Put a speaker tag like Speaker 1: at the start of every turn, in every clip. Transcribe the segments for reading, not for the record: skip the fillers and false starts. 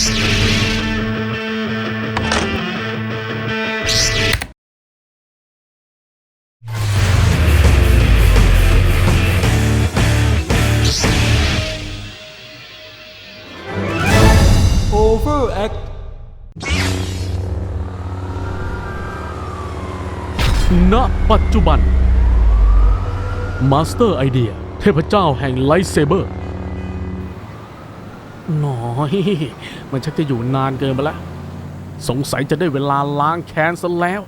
Speaker 1: Overact ณ ปัจจุบัน Master Idea เทพเจ้าแห่งไลท์เซเบอร์น้อยมันชักจะอยู่นานเกินไปแล้วสงสัยจะได้เวลาล้างแค้นซะแล้ว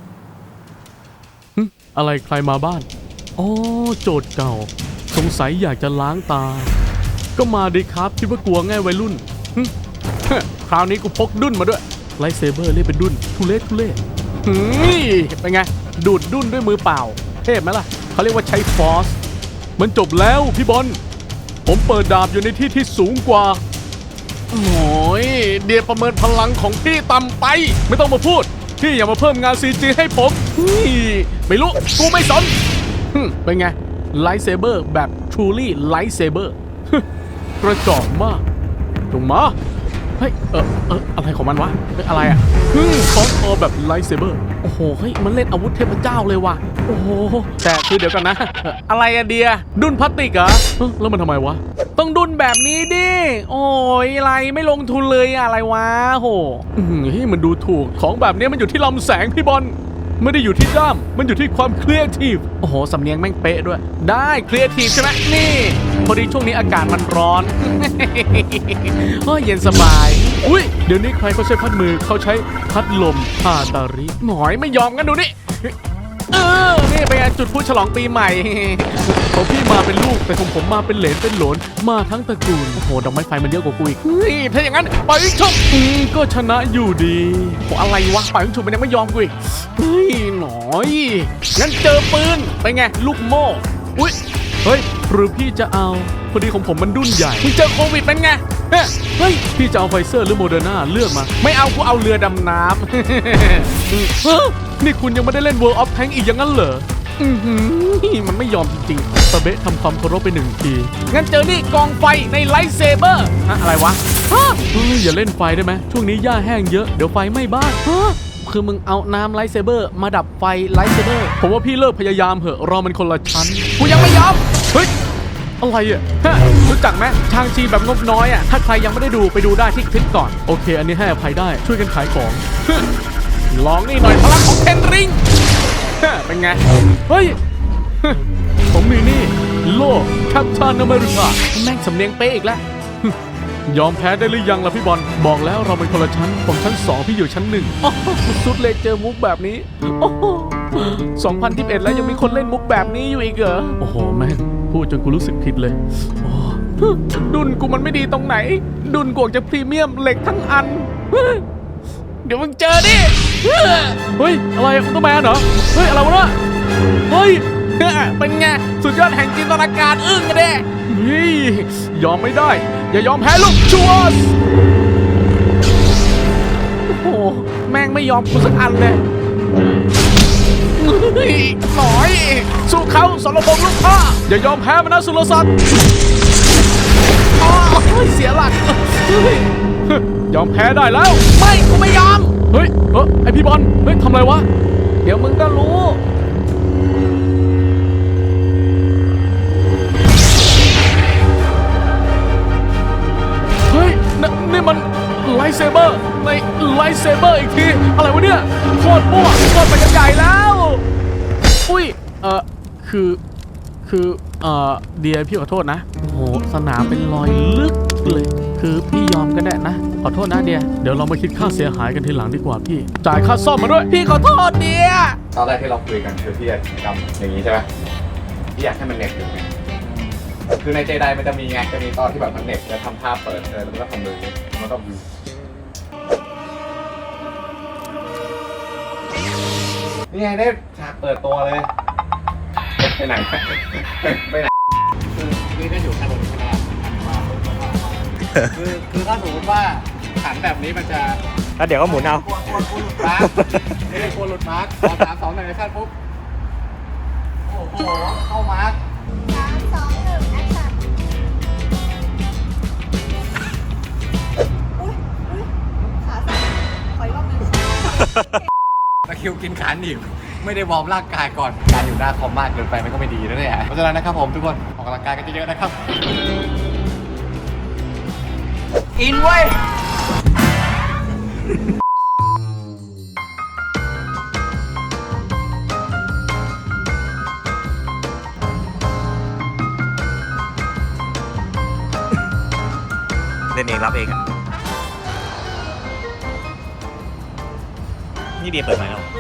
Speaker 1: อะไรใครมาบ้านอ๋อโจทย์เก่าสงสัยอยากจะล้างตาก็มาดิครับคิดว่ากลัวง่ายวัยรุ่นคราวนี้กูพกดุ้นมาด้วยไลท์เซเบอร์เรียกเป็นดุ้นทุเรศเป็นไงดูดดุ้นด้วยมือเปล่าเทพไหมล่ะเขาเรียกว่าใช้ฟอร์สมันจบแล้วพี่บอลผมเปิดดาบอยู่ในที่ที่สูงกว่าโอ้ยเดียประเมินพลังของพี่ต่ำไปไม่ต้องมาพูดพี่อย่ามาเพิ่มงาน CG ให้ผมไม่รู้กูไม่สนเป็นไงไลท์เซเบอร์แบบ truly ไลท์เซเบอร์กระจอกมากจงมาเฮ้ยอะไรของมันวะอะไรอ่ะคอสออแบบไลท์เซเบอร์โอ้โหเฮ้ยมันเล่นอาวุธเทพเจ้าเลยว่ะโอ้โหแต่คือเดี๋ยวกันนะอะไรอะเดียดุนพลาสติกเหรอแล้วมันทำไมวะต้องดุนแบบนี้ดิโอ้ยอะไรไม่ลงทุนเลยอะไรวะโหเฮ้ยมันดูถูกของแบบนี้มันอยู่ที่ลำแสงพี่บอลไม่ได้อยู่ที่ด้ามมันอยู่ที่ความครีเอทีฟโอ้โหสำเนียงแม่งเป๊ะด้วยได้ครีเอทีฟใช่ไหมนี่พอดีช่วงนี้อากาศมันร้อนเย็นสบายอุ้ยเดี๋ยวนี้ใครเขาใช้พัดมือเขาใช้พัดลมฮาตาริหน่อยไม่ยอมกันดูนี่นี่เป็นไงจุดพูดฉลองปีใหม่ของพี่มาเป็นลูกแต่ของผมมาเป็นเหลนเป็นโหลนมาทั้งตระกูลโอ้โหดอกไม้ไฟมันเยอะกว่ากูอีกถ้าอย่างนั้นปล่อยยิงฉุบก็ชนะอยู่ดีโอ้อะไรวะปล่อยยิงฉุบมันยังไม่ยอมกูอีกหน่อยงั้นเจอปืนไปไงลูกโม่อุ้ยเฮ้ยหรือพี่จะเอาพอดีของผมมันดุ้นใหญ่มึงเจอโควิดเป็นไงเฮ้ยพี่จะเอาไฟเซอร์หรือโมเดอร์นาเลือกมาไม่เอากูเอาเรือดำน้ำนี่คุณยังไม่ได้เล่น World of Tanks อีกอย่างนั้นเหรอมันไม่ยอมจริงๆตะเบะทำความเคารพไป1 ทีงั้นเจอนี่กองไฟในไลท์เซเบอร์อะไรวะอย่าเล่นไฟได้ไหมช่วงนี้หญ้าแห้งเยอะเดี๋ยวไฟไหม้บ้านคือมึงเอาน้ำไลท์เซเบอร์มาดับไฟไลท์เซเบอร์ผมว่าพี่เลิกพยายามเหอะเรามันคนละชั้นกูยังไม่ยอมเฮ้ยอะไรอ่ะรู้จักไหมชางชีแบบงบน้อยอ่ะถ้าใครยังไม่ได้ดูไปดูได้ที่คลิปก่อนโอเคอันนี้ให้อภัยได้ช่วยกันขายของลองนี่หน่อยพลังของเทนริงเป็นไงเฮ้ยผมมีนี่โลแคปตันอเมริกาแม่งสำเนียงเป๊ะอีกแล้วยอมแพ้ได้หรือยังล่ะพี่บอลบอกแล้วเราเป็นคนละชั้นผมชั้น2พี่อยู่ชั้น1สุดเลยเจอมุกแบบนี้2021แล้วยังมีคนเล่นมุกแบบนี้อยู่อีกเหรอโอ้โหแม่งพูดจนกูรู้สึกผิดเลยดุนกูมันไม่ดีตรงไหนดุนกวงจะพรีเมียมเหล็กทั้งอันเดี๋ยวมึงเจอดิเฮ้ยอะไรอุลตร้าแมนเหรอเฮ้ยอะไรวะเนี่ยเฮ้ยเป็นไงสุดยอดแห่งจินตนาการอึ้งกันเด้ยอมไม่ได้อย่ายอมแพ้ลูกชัวสโอ้โหแม่งไม่ยอมกูสักอันเลยหน่อยสู้เขาสรพงษ์ลูกพ่ออย่ายอมแพ้มันนะสุรศักดิ์เสียหลักยอมแพ้ได้แล้วไม่กูไม่ยอมเฮ้ยไอพี่บอลเฮ้ยทำอะไรวะเดี๋ยวมึงก็รู้เฮ้ยนี่มันไลท์เซเบอร์ในไลท์เซเบอร์อีกทีอะไรวะเนี่ยโคตรมั่วโคตรไปกันใหญ่แล้วอุ้ยคือเดียพี่ขอโทษนะโอ้โหสนามเป็นรอยลึกเลยคือพี่ยอมก็ได้นะขอโทษนะเดียเดี๋ยวเรามาคิดค่าเสียหายกันทีหลังดีกว่าพี่จ่ายค่าซ่อมมาด้วยพี่ขอโทษเดีย
Speaker 2: ตอนแรกที่เราคุยกันคือพี่อยากทำอย่างนี้ใช่ไหมพี่อยากให้มันเน็ตอยู่ไงคือในเจไดมันจะมีไงจะมีตอนที่แบบมันเน็ตจะทำท่าเปิดแล้วก็ทำมือมันก็นี่ไงได้ฉากเปิดตัวเลยไปไหนไปไหน
Speaker 3: คือก็อยู่ข้างบนใช่ไหมคือถ้าสมมติว่าขันแบบนี้มันจะ
Speaker 4: แล้วเดี๋ยวก็หมุนเอา
Speaker 3: กลัวหลุดมาร์กไม่ได้กลัวหลุดมาร์กพอ3 2 1ในขั้นปุ๊บโอ้โหเข้ามาร์ก
Speaker 5: 3 2 1แอคชั่น
Speaker 3: ตะคริวกินขาหนีบไม่ได้วอร์มร่างกายก่อน การอยู่หน้าคอมมากเกินไปมันก็ไม่ดีนะเนี่ยเพราะฉะนั้นนะครับผมทุกคนออกกำลังกายกันเยอะๆนะครับ อินเว้ย
Speaker 4: เล่นเองรับเองอ่ะ นี่เดียเปิดไหมครับ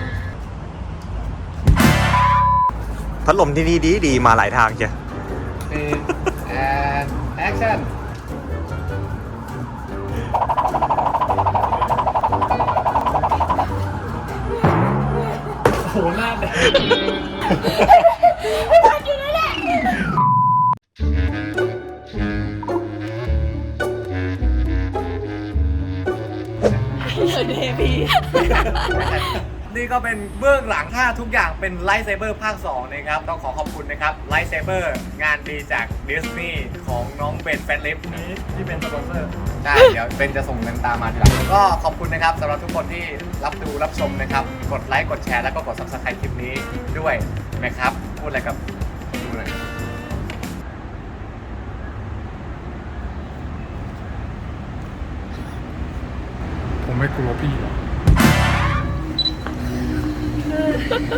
Speaker 4: พัดลมที่นี่ดีมาหลายทางจ้ะ
Speaker 3: and action โหหน้าแดง นี่ก็เป็นเบื้องหลังถ้าทุกอย่างเป็นไลท์เซเบอร์ภาค 2 นะครับ ต้องขอบคุณนะครับไลท์เซเบอร์งานดีจากดิสนีย์ของน้องเบนแฟนลิฟนี้ที่เป็นสปอนเซอร์ใช่เดี๋ยวเบนจะส่งเงินตามมาทีหลังก็ขอบคุณนะครับสำหรับทุกคนที่รับดูรับชมนะครับ กดไลค์กดแชร์แล้วก็กด Subscribe คลิปนี้ด้วยนะครับ พูดอะไรกับคนดูหน่อยผมไม่กลัวพี่หรอก